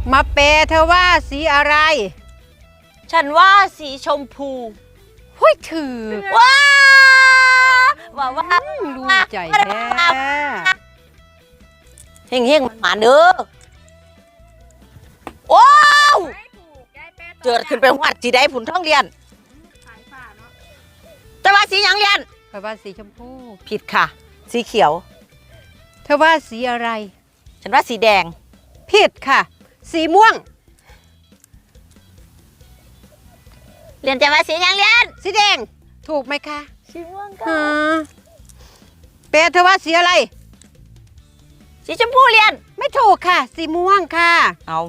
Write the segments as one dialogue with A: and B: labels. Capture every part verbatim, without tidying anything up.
A: มาเปเธอว่าสีอะไร
B: ฉันว่าสีชมพู
A: หุ้ยถือ
B: ว้าว่าว่า
A: รู้ใจแท้
B: เฮงเฮงมาเด้อโอ้เจิดขึ้นไปวัดสีได้ผุนท้องเรียนจะว่าสีหยังเรียน
A: เธอว่าสีชมพู
B: ผิดค่ะสีเขียว
A: เธอว่าสีอะไร
B: ฉันว่าสีแดง
A: ผิดค่ะสีม่วง
B: เรียนจะว่าสีหยังเรียน
A: สีแดงถูกไหมคะ
B: สีม่วงค่ะ
A: เปเธอว่าสีอะไร
B: สีชมพูเรียน
A: ไม่ถูกค่ะสีม่วงค่ะ
B: เอา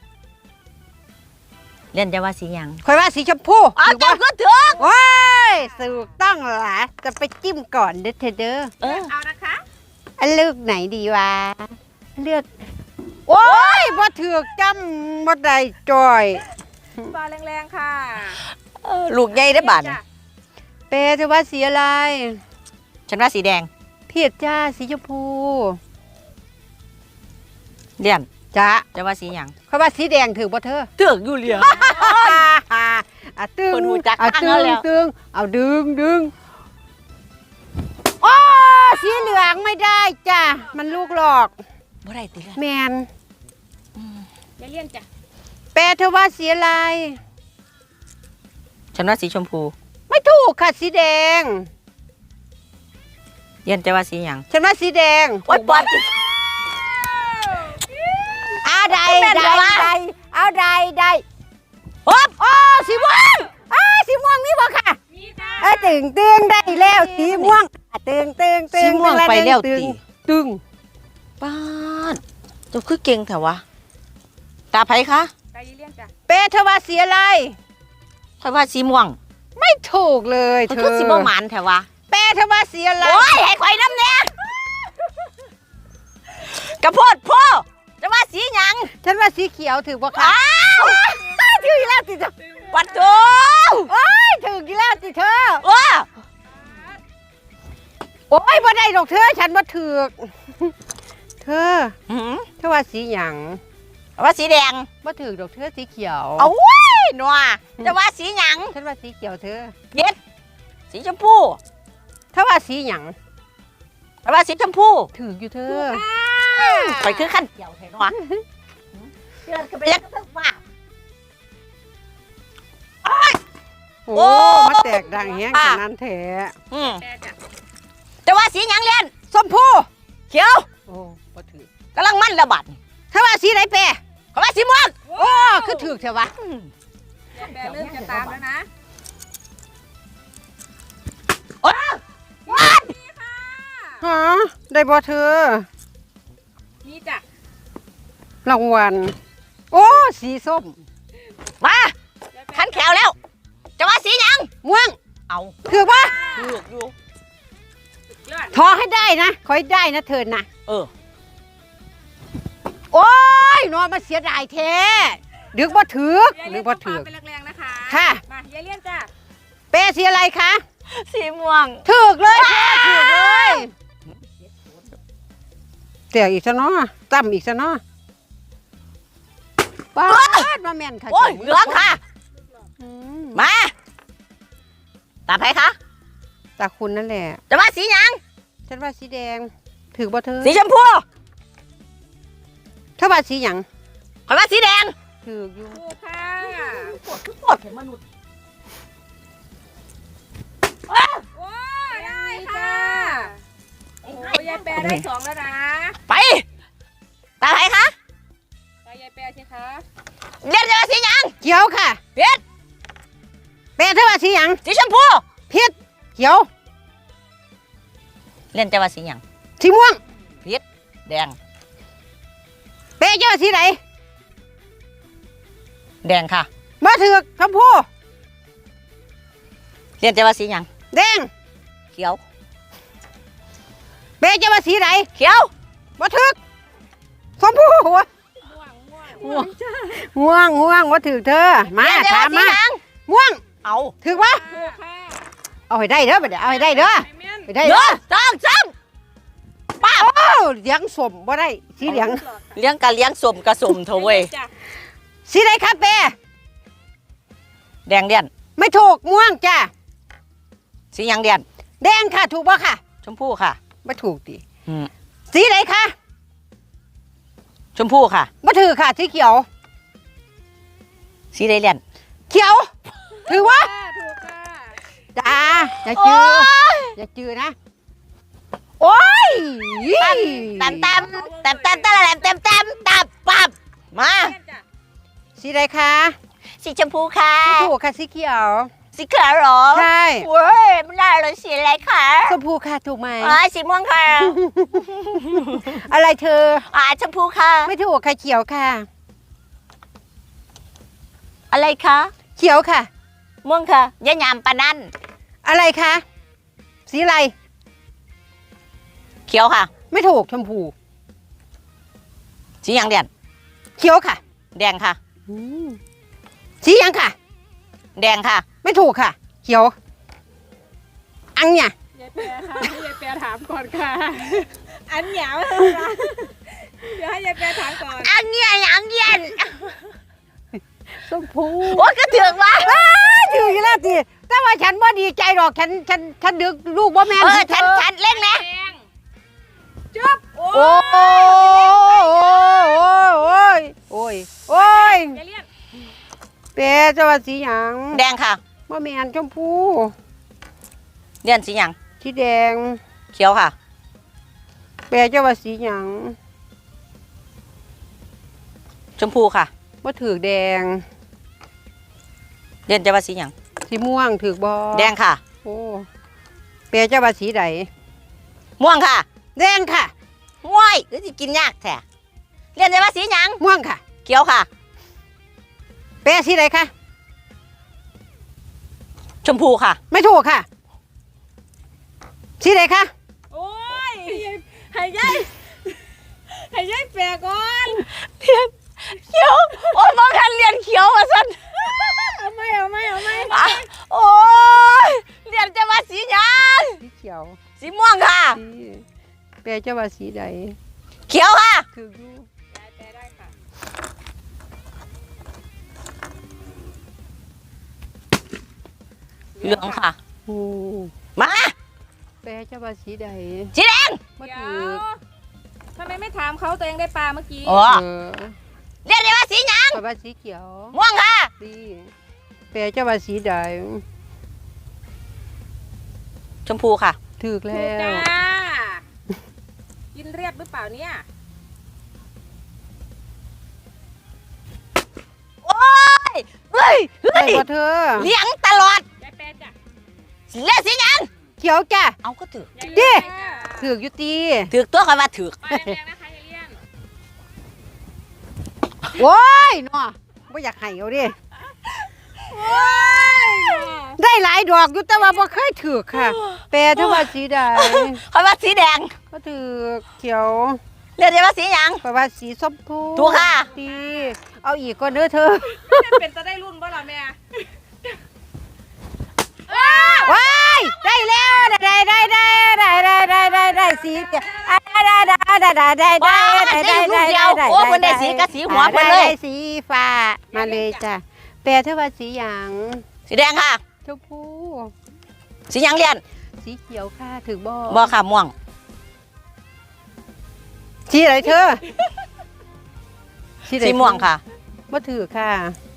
B: เรียนจะว่าสีหยัง
A: คอยว่าสีชมพู
B: เอาจับก็ถึง
A: ว้ายถูกต้องเหรอจะไปจิ้มก่อนเด้อเธอเด้อ
B: เออ
A: เอานะคะอันเลือกไหนดีวะเลือกโอ้ยบ่ถือกจำบ่ได้จอย
C: บาแรงๆค่ะ
B: ลูกใหญ่ได้บาท
A: เปเธอว่าสีอะไร
B: ฉันว่าสีแดง
A: ผิดจ้าสีชมพู
B: เรียน
A: จ้า
B: จะว่าสีหยัง
A: เขาว่าสีแดงถือบ่เธอ
B: ถืออยู่เรียน
A: อ่ะตึงเอาตึงตึงเอาดึงดึงโอ้สีเหลืองไม่ได้จ้ะมันลูกหลอก
B: บ่ได้ติ
A: แมน
C: อย่าเลี่ยนจ้ะ
A: เปเธอว่าสีอะไร
B: ฉันว่าสีชมพู
A: ไม่ถูกค่ะสีแดง
B: เรียนจะว่าสีหยัง
A: ฉันว่าสีแดง
B: โอ๊ยปอด
A: เอาได้ได้ได้เอาได้ได้
B: โอ๊บ
A: โอ้สีม่วงอ้าสีม่วงนี่บ่ค่ะ
C: มีค่ะ
A: เออตึงตึงได้แล้วสีม่วงตึงตึงตึง
B: สีม่วงไปแล้วตึง
A: ตึง
B: ป้าเจ้าคือเก่งแถววะตาไผคะ
C: ตาเลี่ยนจ้ะ
A: เปเธอว่าสีอะไร
B: ค่อยว่าสีม่วง
A: ไม่ถูกเลย
B: เธอคือสีม่วงหมานแถววะ
A: เปเธอว่าสีอะไร
B: โอ้ยให้ข่อยน้ำเนี่ยกระโพดพ่อจะว่าสีหยัง
A: ฉันว่าสีเขียวถือบ่ค่ะ
B: อ้าว
A: ถืออีกแล้วติเธอ
B: วัดโต
A: โอ้ยถืออีกแล้วติเธอ
B: ว้า
A: โอ้ยบ่ได้ดอกเธอฉันว่าถือเธอเธอว่าสีหยัง
B: ว่าสีแดง
A: บ่ถือดอกเธอสีเขียว
B: เอาไว้หนัวจะว่าสีหยัง
A: ฉันว่าสีเขียวเธอ
B: เย็ดสีชมพู
A: เธอว่าสีหยัง
B: ว่าสีชมพู
A: ถืออยู่เธอ
B: ไปคือขั้นเกี่ยวเห็นวะเดินกันไปยังทั้งฟ้า
A: โอ้มาแตกดังแห้งขนาดนั้นแท้
B: จะว่าสีหยังเรียน
A: ชมพู
B: เขียว
A: โอ้บ่ถือก
B: ำลังมั่นระบาด
A: เธอว่าสีไหนเป
B: เขาว่าสีม่วง
A: โอ้คือถือเถอะวะ
C: แปรเริ่มจะตามแล้วนะ
B: โอ้วัด
A: ฮะได้บ่เธอ
C: นี่จ้ะ
A: รางวัลโอ้สีส้ม
B: มาขันแขวแล้วจะว่าสีหยัง
A: ม่วง
B: เอา
A: ถือปะ
B: ถืออยู่
A: ทอให้ได้นะขอให้ได้นะเธอนะ
B: เออ
A: โอ้ยนอนมาเสียดายแท้ดึกบ่ถือดึกบ่ถือ
C: เป็นแรงๆนะคะ
A: ค่ะ
C: มายายเลี่ยนจ้ะ
A: เปสีอะไรคะ
B: สีม่วง
A: ถือเลยถือเลยเสียอีกซะเนาะตั้มอีกซะเนาะป้าดมาแม่นค่ะ
B: โอ้ยเหลืองค่ะมาตาใครคะ
A: ตาคุณนั่นแหละ
B: จะว่าสีหยัง
A: ฉันว่าสีแดงถือบ่เธอ
B: สีชมพู
A: เธอว่าสีหยัง
B: ข่อยว่าสีแดง
A: ถืออยู่
C: ค่ะ
B: ปวดคือปวดเห็นมนุษย์
C: โอ้ได้ค่ะโอ้ยายแปรได้สองแล้วนะ
B: ไปตาใครคะ
C: ตายายแปรใช่คะ
B: เรียนจะว่าสีหยัง
A: เขียวค่ะ
B: เพียร
A: เปเธอว่าสีหยัง
B: สีชมพู
A: เพียรเขียว
B: เรียนจะว่าสีหยัง
A: สีม่วง
B: เพียรแดง
A: เปเจะว่าสีไหน
B: แดงค่ะ
A: มาถือชมพู
B: เรียนจะว่าสีหยัง
A: แดง
B: เขียว
A: เปเจะว่าสีไหน
B: เขียว
A: มาถือชมพูหัวม่วงม่วงม่วงว่าถือเธอมาถามมาม่วง
B: เอา
A: ถือวะเอาให้ได้เด้อไปเดี๋ยวเอาให้ได้เด้อไปได้
B: เด้อจ้องจ้องป้า
A: เหลืองสมบ่ได้สีเหลือง
B: เลี้ยงกะเลี้ยงสมกะสมเถอะเว้ย
C: จ้ะ
A: สีไหนคะเป้
B: แดงเดียน
A: ไม่ถูกม่วงจ้ะ
B: สีหยังเดียน
A: แดงค่ะถูกป่ะค่ะ
B: ชมพูค่ะ
A: ไม่ถูกดิ
B: อืม
A: สีไหนคะ
B: ชมพูค่ะ
A: ไม่ถือค่ะสีเขียว
B: สีใดเดียน
A: เขียว ถือว่า
C: ค่ะถูกค่ะ
A: จ้าอย่าจืออย่าจือนะ โอ้ย
B: ตำตำตำตำตำตำตำตำตับปับมา
C: เลี่ยนจ้ะ
A: สีไหนคะ
B: สีชมพูค่ะ
A: ไม่ถูกค่ะสีเขียว
B: สีขาวเหรอ
A: ใช่
B: เว้ยไม่ได้เลยสีอะไรคะ
A: ชมพูค่ะถูกไหม
B: อ๋อสีม่วงค่ะ
A: อะไรเธอ
B: อ่าชมพูค่ะ
A: ไม่ถูกค่ะเขียวค่ะ
B: อะไรคะ
A: เขียวค่ะ
B: ม่วงค่ะยะยามปะนั่น
A: อะไรคะสีอะไร
B: เขียวค่ะ
A: ไม่ถูกชมพู
B: สีหยังเดียน
A: เขียวค่ะ
B: แดงค่ะ
A: อืมสียังค่ะ
B: แดงค่ะ
A: ไม่ถูกค่ะ เขียว อังเนี่ย
C: ยายแปรค่ะให้ยายแปรถามก่อนค่ะ อันเหนียวค่ะเดี๋ยวให้ยายแปรถามก่อน
B: อันเนี้ยอันเย็น
A: ชมพู
B: โอ้ยก็ถึงว่า
A: ถืออยู่แล้วสิแต่ว่าฉันว่าดีใจหรอก ฉัน ฉัน ฉันดึกลูกบ่แม่น
B: เออ
A: เธ
B: ฉันฉันเล่นนะ
C: แดงจุ๊บโอ้
A: โอ้ยโอ้ยโอ้ยโอ้ย
C: ยายเลี่ยน
A: เป๊ะจะว่าสีหยัง
B: แดงค่ะ
A: บ่แม่นชมพู
B: เลียนสีหยัง
A: สีแดง
B: เขียวค่ะ
A: เป๊ะจะว่าสีหยัง
B: ชมพูค่ะ
A: บ่ถือแดง
B: เลียนจะว่าสีหยัง
A: สีม่วงถือบ่
B: แดงค่ะ
A: โอ้เป๊ะจะว่าสีใด
B: ม่วงค่ะ
A: แดงค่ะ
B: ว้ายหรือสิกินยากแท้เลียนจะว่าสีหยัง
A: ม่วงค่ะ
B: เขียวค่ะ
A: เป๊ะสีใดคะ
B: ชมพูค่ะ
A: ไม่ถูกค่ะ สีใดคะ
C: โอ้ยให้ยายให้ยายแปรก่อน
B: เลียนเขียวโอ้ยมองกันเลียนเขียวมาสัน
C: เอาไหมเอาไหมเอาไหม
B: อ่ะโอ้ยเลียนจะว่าสีหยัง
A: สีเขียว
B: สีม่วงค่ะ
A: สีเป๊ะจะว่าสีใด
B: เขียวค่ะ
A: ถืออยู่
C: ยายแปรได้ค่ะ
B: เหลืองค่ะ
A: โอ้
B: มา
A: เป๊ะจะว่าสีใด
B: สีแดง
A: บ่
C: เดี๋ย
A: ถือ
C: วทำไมไม่ถามเขาตัวเองได้ปลาเมื่อกี้
B: อ๋อ
A: เออ
B: เลียนจะว่าสีหยัง
A: เพราะว่าสีเขียว
B: ม่วงค่ะ
A: ดีเป๊ะจะว่าสีใด
B: ชมพูค่ะ
A: ถูก
C: ถู
A: แล้
C: กจ้
A: ว
C: ากินเรียบหรือเปล่าเนี่ย
B: โอ้ยเฮ้ยเฮ้
A: ใช่
B: ย
A: บ่เธอ
B: เลี้ยงตลอด
C: ยายแปรจ้ะ
B: เล่นสีหยัง
A: เขียวจ้ะ
B: เอาก็ถือย
C: าย
A: ดิ
C: เลี่ยนจ้ะ
A: ถือกอยู่ตี
B: ถือตัวคอยมาถือ
C: มาแรงๆนะคะยายเลี่ยน
A: โว้ยเนาะบ่อยากให้เอาดิ
C: โอ้ย
A: ได้หลายดอกอยู่แต่ว่าบ่เคยถือกค่ะ แปลถ้าว่าสีใด
B: คอยมาสีแดง
A: ก็ถือกเขียว
B: เล่นจะว่าสีหยัง
A: เพราะว่าสีส้มพู
B: ถูกค่ะ
A: ดีเอาอีกก็เด้อเธอ
C: จะเป็นจะได้รุ่นบ่ล่ะแม่
A: ว้ายได้แล้วได้ได้ได้ได้ได้ได้ได้ได้สีได้ได้ได้ได้ได้ได้ได้
B: ว้า
A: ได้
B: ได้
A: ได้
B: ลูกเดียว
A: ได้
B: โอ้คนได้สีกับสีหัวคนเลย
A: ได้สีฟ้ามาเลยจ้ะแปลถ้าว่าสีหยาง
B: สีแดงค่ะ
A: ชมพู
B: สีหยังเลียน
A: สีเขียวค่ะถือบ่
B: บอค่ะม่วง
A: สีอะไรเธอไหน
B: สีม่วงค่ะ
A: บ่ถือค่ะ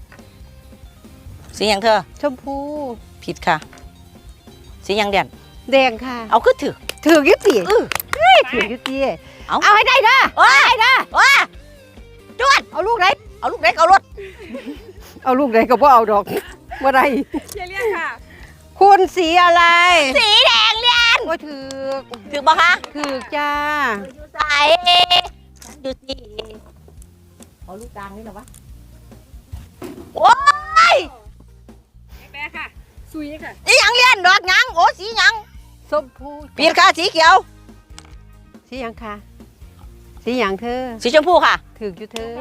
B: สีหยังเธอ
A: ชมพู
B: ผิดค่ะ สีหยังเลียน
A: แดงค่ะ
B: เอาคือถือ
A: ถือยุติ
B: อื้อ
A: ถือยุติ
B: เอา
A: เอาให้ได้เด้อ
B: ว้าได้ว้าจวด
A: เอาลูกไหน
B: เอาลูกเล็กเอารถ
A: เอาลูกไหนก็บ่เอาดอกบ่ได้
C: ยายเลี่ยนค่ะ
A: คุณสีอะไร
B: สีแดงเลียน
A: บ่ถือ
B: ถือบ่คะ
A: ถือจ้า
B: อยู่ใส่อยู่สีเอาลูกกลางนี่เหรอวะโอ้ย
C: ยายแปรค่ะซุยค่ะ
B: สีหยังเลียนดอกหยังโอ้สีหยัง
A: ส้มพู
B: ผิดค่ะสีเขียว
A: สีหยังค่ะสีหยังเธอ
B: สีชมพูค่ะ
A: ถืออยู่เธอ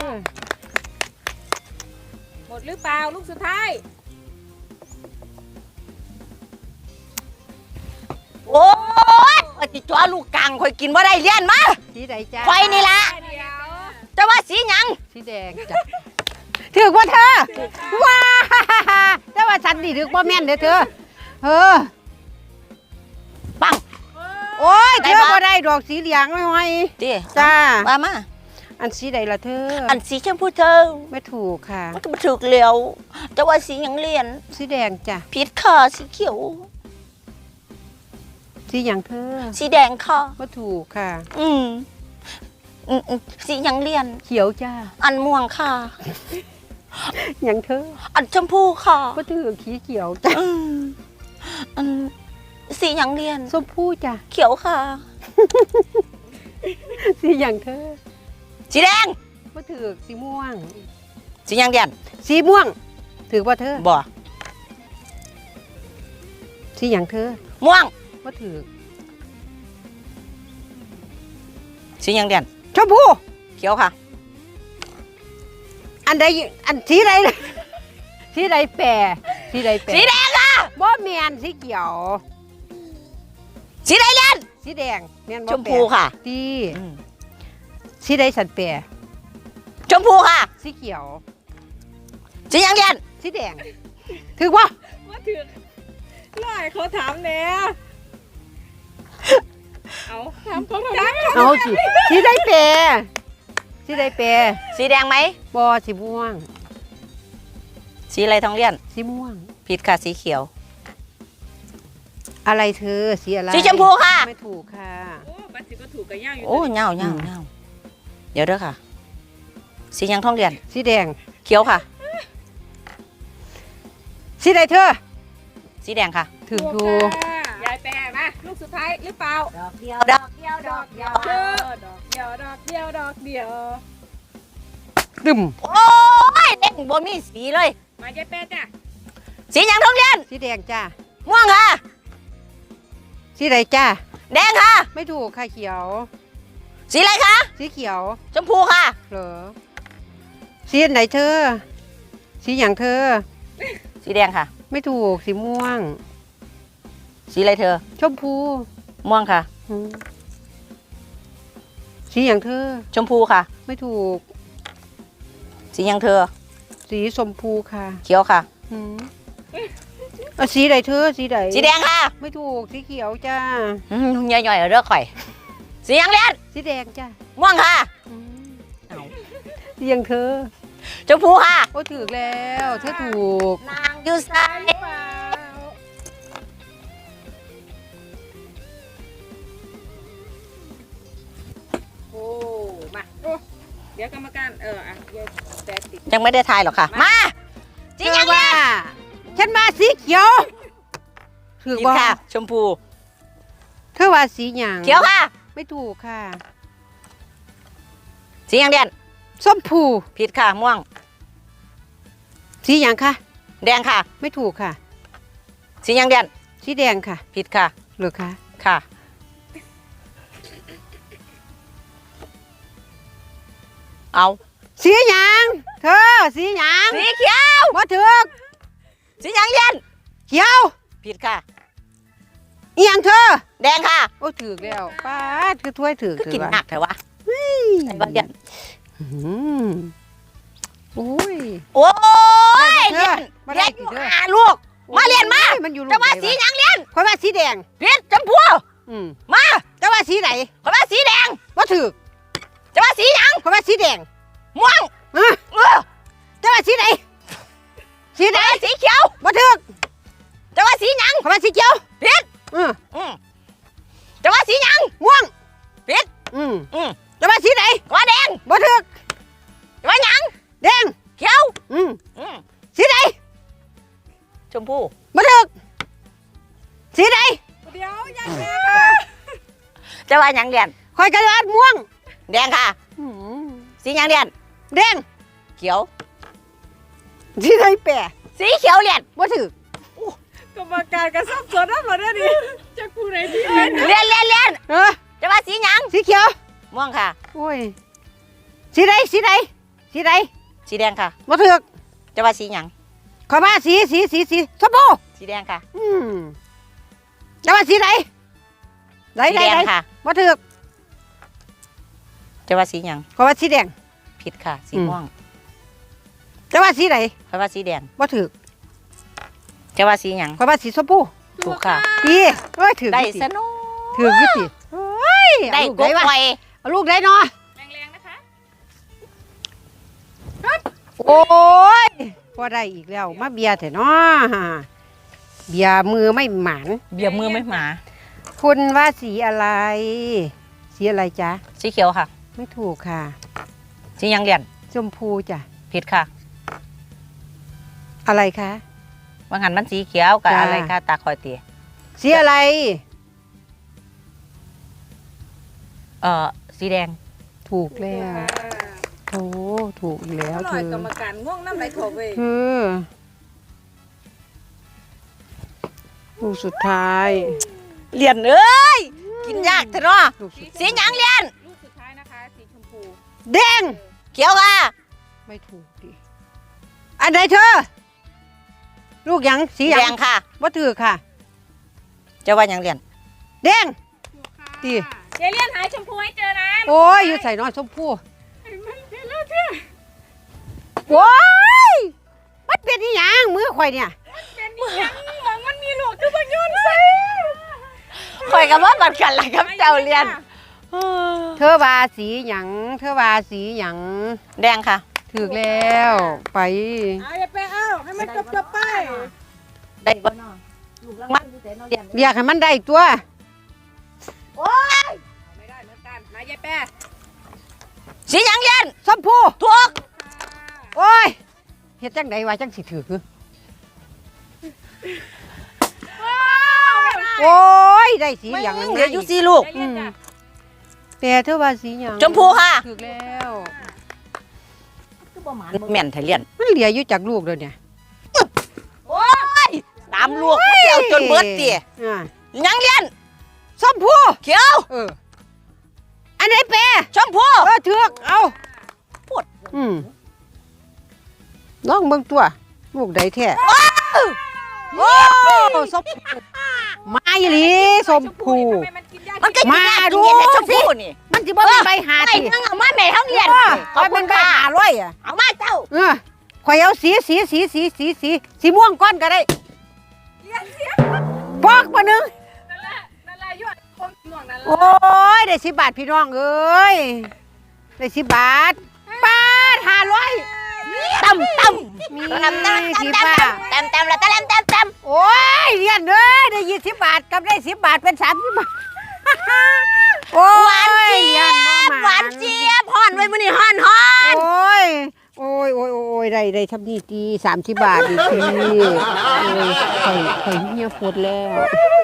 C: หมดหรือเปล่าลูกสุดท้าย
B: โอ้ยข่อยสิจ้อลูกกลางข่อยกินบ่ได้เลี้ยนมา
A: สีใดจ้า
B: ข่อยนี่ล่ะ
C: เดี๋ยว
B: จะว่าสีหยัง
A: สีแดงจ้ะถือว่าเธอว้าแต่ว่าฉันนี่ถือว่าแม่นเด้อเธอเออ
B: ปัง
A: โอ้ย
B: ได้
A: เธอ
B: ปะ
A: บ่ได้ดอกสีเหลืองไม่ไหว
B: ติ
A: จ้า
B: ว่ามา
A: อันสีใดล่ะเธอ
B: อันสีชมพูเธอ
A: ไม่ถูกค่ะ
B: มันก็บ่ถูกแล้วจะว่าสีหยังเลียน
A: สีแดงจ้ะ
B: ผิดค่ะสีเขียว
A: สีหยังเธอ
B: สีแดงค่ะ
A: ไม่ถูกค่ะ
B: อืมอืมอืมสีหยังเลียน
A: เขียวจ้า
B: อันม่วงค่ะ
A: หยังเธอ
B: อันชมพูค่ะ
A: ไม่ถือขีเขียวจ้ะ
B: อืมอันสีหยังเลียน
A: ส้มผู้จ้ะ
B: เขียวค่ะ
A: สีหยังเธอ
B: สีแดง
A: ไม่ถือสีม่วง
B: สีหยังเลียน
A: สีม่วง ถือว่าเธอ
B: บ่
A: สีหยังเธอ
B: ม่วง
A: ไม่ถือ
B: สีหยังเลียน
A: ชมพู
B: เขียวค่ะ
A: อันใดอันสีใด สีใดแปรสีใดแปร
B: สีแดงค่ะ
A: บ่แมนสีเขียว
B: สีแดงเลียน
A: สีแดงแมนบ่
B: ชมพูค่ะ
A: ตี
B: อืม
A: สีใดสันแปร
B: ชมพูค่ะ
A: สีเขียว
B: สีหยังเลียน
A: สีแดงถือว่า
C: ว่าถือร้อยเขาถามแน่เอาถามเขาถาม
A: เอาสิสีใดแปรสีใดแปร
B: สีแดงไหม
A: บ่สีม่วง
B: สีอะไรทองเลียน
A: สีม่วง
B: ผิดค่ะสีเขียว
A: อะไรเธอสีอะไร
B: สีชมพูค่ะ
A: ไม่ถูกค่ะ
C: โอ้บัตรสิก็ถูกกันย่างอยู่
B: โอ้เงาเงาเงาเดี๋ยวเด้อค่ะ สีหยังทองเลียน
A: สีแดง
B: เขียวค่ะ
A: สีใดเธอ
B: สีแดงค่ะ
A: ถือ
C: ถู
A: ถู
C: ก
A: ก
C: ค่ะยายแปรมาลูกสุดท้ายหรือเปล่า
B: ดอกเดียวดอกเดียวดอกเดียว
C: เออดอกเดียวดอกเดียวดอกเดียว
A: ตึม
B: โอ้ยเด้งบ่มีสีเลย
C: มายายแปรจ้ะ
B: สีหยังทองเลียน
A: สีแดงจ้า
B: ม่วงค่ะ
A: สีใดจ้า
B: แดงค่ะ
A: ไม่ถูกค่ะเขียว
B: สีอะไรคะ
A: สีเขียว
B: ชมพูค่ะ
A: เหรอสีไหนเธอ สีอย่างเธอ
B: สีแดงค่ะ
A: ไม่ถูกสีม่วง
B: สีอะไรเธอ
A: ชมพู
B: ม่วงค่ะ
A: อืมสีอย่างเธอ
B: ชมพูค่ะ
A: ไม่ถูก
B: สีหยังเธอ
A: สีชมพูค่ะ
B: เขียวค่ะ
A: อืมเอาสีใดเธอ สีใด
B: สีแดงค่ะ
A: ไม่ถูกสีเขียวจ้า
B: อืมย่อยๆเอาเด้อข่อย สีหยังเลียน
A: สีแดงจ้า
B: ม่วงค่ะ
A: อืม
B: เอา
A: สีอย่างเธอ
B: ชมพูค่ะ
A: โอ้ถูกแล้วเธอถูก
B: นางอยู่ไส
C: หรือเปล่าโอ้มาโอ้เดี๋ยวกรรมการเอออ่ะยายแปรติด
B: ยังไม่ได้ทายหรอกค่ะ มาสี
A: เธ
B: หยั
A: อง ว่า ฉันมาสีเขียวถือ
B: ผิด
A: ว่า
B: ค่ะ ชมพู
A: เธอว่าสีหยาง
B: เขียวค่ะ
A: ไม่ถูกค่ะ
B: สีหยังเลียน
A: ส้มผู
B: ผิดค่ะ ม่วง
A: สีหยางค่ะ
B: แดงค่ะ
A: ไม่ถูกค่ะ
B: สีหยังเลียน
A: สีแดงค่ะ
B: ผิดค่ะ
A: หรือคะ
B: ค่ะ เอา
A: สีหยางเธอสีหยาง
B: สีเขียว
A: บ่ถือก
B: สีหยังเลียน
A: เขียว
B: ผิดค่ะ
A: อีหยังเธอ
B: แดงค่ะ
A: โอ้ถือกแล้วป้าดคือถ้วยถือก
B: ก็
A: ถื
B: กิน
A: ว่า
B: หนักเถอะวะใส่บ้านเลียน
A: อืมโอ้ย
B: โอ้ย
A: เธ
B: เลีย
A: อน มาได้
B: เลียนอยู่
A: สิเธอ
B: หาลูก มาเรียนมา
A: โอ้มันอยู่ลูก
B: จะว่า
A: ไหน
B: สี
A: วะ
B: หยังเลียน
A: ข่อยว่าสีแดง
B: ผิดชมพู
A: อืม
B: มา
A: แต่ว่าสีไหน
B: ขอว่าสีแดง
A: บ่ถือก
B: จะว่าสีหยัง
A: ข่อยว่าสีแดง
B: ม่วง
A: ฮะ
B: เออ
A: แต่ว่าสีไหนสีไหน
B: จะว่าสีเขียว
A: บ่ถือก
B: จะว่าสีหยัง
A: ข่อยว่าสีเขียว
B: ผิด
A: อืม
B: อืมจะว่าสีหยัง
A: ม่วง
B: ผิด
A: อืม
B: อืม
A: แต่ว่าสีไหน
B: ขอว่าแดง
A: บ่ถือก
B: จะว่าหยัง
A: แดง
B: เขียว
A: อืม
B: อืม
A: สีไหน
B: ชมพู
A: บ่ถือกสีไหน
C: เดี๋ยวยายแปรค่ะ
B: จะว่าหยังเรียน
A: ข่อยกระดาษม่วง
B: แดงค่ะ
A: อืม
B: สีหยังเรียน
A: แดง
B: เขียว
A: สีไหนแปะ
B: สีเขียวเรียน
A: บ่ถือก
C: รรมการกระซับซ้อนนั่นหมดเลยดิจะกูไหนที่ไหน
B: เรียนเรียนเรียน
A: เออ
B: จะว่าสีหยัง
A: สีเขียว
B: ม่วงค่ะ
A: โอ้ยสีไหนสีไหนสีไหน
B: สีแดงค่ะ
A: บ่ถือก
B: จะว่าสีหยัง
A: ขอยว่าสีสีสีสีชมพู
B: สีแดงค่ะ
A: อืมแต่ว่าสีไหนได้
B: สี
A: ได้
B: แดง
A: ได้
B: ค่ะ
A: บ่ถูก
B: จะว่าสีหยัง
A: เพราะว่าสีแดง
B: ผิดค่ะ สี
A: อืม
B: ม่วง
A: แต่ว่าสีไหน
B: เพราะว่าสีแดง
A: บ่ถูก
B: จะว่าสีหยัง
A: เพราะว่าสีชมพู
B: ถูกค่ะ
A: ดีเอ้ยถูก
B: ได้
A: อยู่สิ
B: สนุก
A: ถูกอยู่สิเฮ้ย
B: ได้
A: เอาลูก
B: กบ
A: ได้วะ
B: ไฟ
A: เอาลูกได้เนาะ
C: แรงๆนะคะ
A: โอ้ยพอได้อีกแล้วมาเบียร์เถอะเนาะเบียร์มือไม่หมาน
B: เบียร์มือไม่หมา
A: คุณว่าสีอะไร สีอะไรจ๊ะ
B: สีเขียวค่ะ
A: ไม่ถูกค่ะ
B: สีหยังเรียน
A: ชมพูจ้ะ
B: ผิดค่ะ
A: อะไรคะ
B: บางหันมันสีเขียวกับ
A: จ้า
B: อะไรค่ะตาคอยเตีย
A: สีอะไร
B: เอ่อสีแดง
A: ถูกแล้วโอ้ถูกอีกแล้ว
C: อ
A: เธ
C: ร่อย
A: อก
C: รรมการง่วงน้ำไหลถกเว้ย
A: เธอลูกสุดท้าย
B: เรียนเอ้ยกินยากเถอะเนาะ
A: ลูกสุด
B: สีหยังเรียน
C: ลูกสุดท้ายนะคะสีชมพู
A: แดง
B: เขียวค่ะ
A: ไม่ถูกดิอันไหนเธอ ลูกหยังสีหยั
B: แด
A: ง
B: งค่ะ
A: ว่าถือค่ะ
B: จะว่าหยังเรียน
A: แดง
C: ถูกค่ะ
A: ดี
C: เจเลียนหายชมพูให้เจอนะ
A: โอ้ยอยู่ใส่น้อยชมพู่
C: มันเจเลียนเชื่อ
A: โอ้ยมันเป็นอีหยังมือข่อยเนี่ย
C: เป็นอีหยังมองมันมีหลวกคือมันโยนใส่
B: คอยกับว่าบัดกันละครับเจ้าเรียน
A: เธอว่าสีหยังเธอว่าสีหยัง
B: แดงค่ะ
A: ถือแล้วไป
C: เอาอย่าไปเอาให้มันจบจบๆไป
B: ได้บ่เนาะลูกรางวัลอยู่แต่เนาะเรียน
A: เรียกให้มันได้ตัว
C: ไม่ได้เหมือนกันมายายแป้
B: สีหยังเรียน
A: ชมพู่
B: ถูก
A: โอ้ยเฮ็ดจังไดว่าจังสิถือโอ้ยได้สีหยัง
B: มึ
A: นึ
B: ง
A: ง
B: เหลืออยู่สี่ลูก
C: เจเลียนจ้ะ
A: แต่เธอว่าสีหยัง
B: ชมพูค่ะ
A: ถือแล้ว
B: แม่นไทยเรียน
A: มันเหลืออยู่จากลูกเลยเนี่ย
B: โอ้ยตามลูกเดียวจนเบิดเตี๋ย
A: อ่า
B: หยังเรียน
A: ชมพู่
B: เขียว
A: เอออันไหนเปร
B: ชมพู
A: เออถือกเอา
B: พูด
A: อืมลองเบิ่งตัว ลูกใดแท้โอ้สมพูมาอีหลีสมพู
C: ทำไมมันกินยาก
B: มันก็
A: มา
B: กิน
A: ดู
B: ดูเนี่ยชมพูนี่
A: มันสิบ่เป็นใบหา
B: ไอ้
A: ติ
B: นั่งเอามาแม่ท้องเรียน
A: ข
B: ขอบ
A: เป็
B: คุ
A: น
B: ณ
A: ใบ
B: ค่ะ
A: หาร้อยอ่ะ
B: เอามาเจ้า
A: เออข่อยเอาสีสีสีสีสีสีสีม่วงก้อนก็ได้
C: เรียนเสีย
A: ปอกมาหนึง
C: นั่นแหละนั่นแหละยอดคมหม่วงนั่นแหละ
A: โอ้ยได้สิบบาทพี่น้องเอ้ยได้สิบบาทบาทห้าร้อย
B: ตั้มตั้ม
A: มี
B: ตั้มตั้ม
A: สี
B: ตั้ม
A: ฟ้า
B: ตั้มตั้มแล้วตั้มตั้มตั้ม
A: โอ้ยเรียนเอ้ยได้ยี่สิบบาทกับได้สิบบาทเป็นสามสิบบาท โอ้
B: หวาน
A: ย
B: เจี๊
A: เรี
B: ย
A: ยน
B: บ
A: บ่ม
B: หวานเจี๊ยบห่อนไว้มื้อนี้ห่อนห่อน
A: โอ้ยโอ้ยโอ้ยโอ้ยได้ได้ทำนี่ตีสามสิบบาทอีกทีโอ้ยข่อยข่อยเงียบปวดแล้ว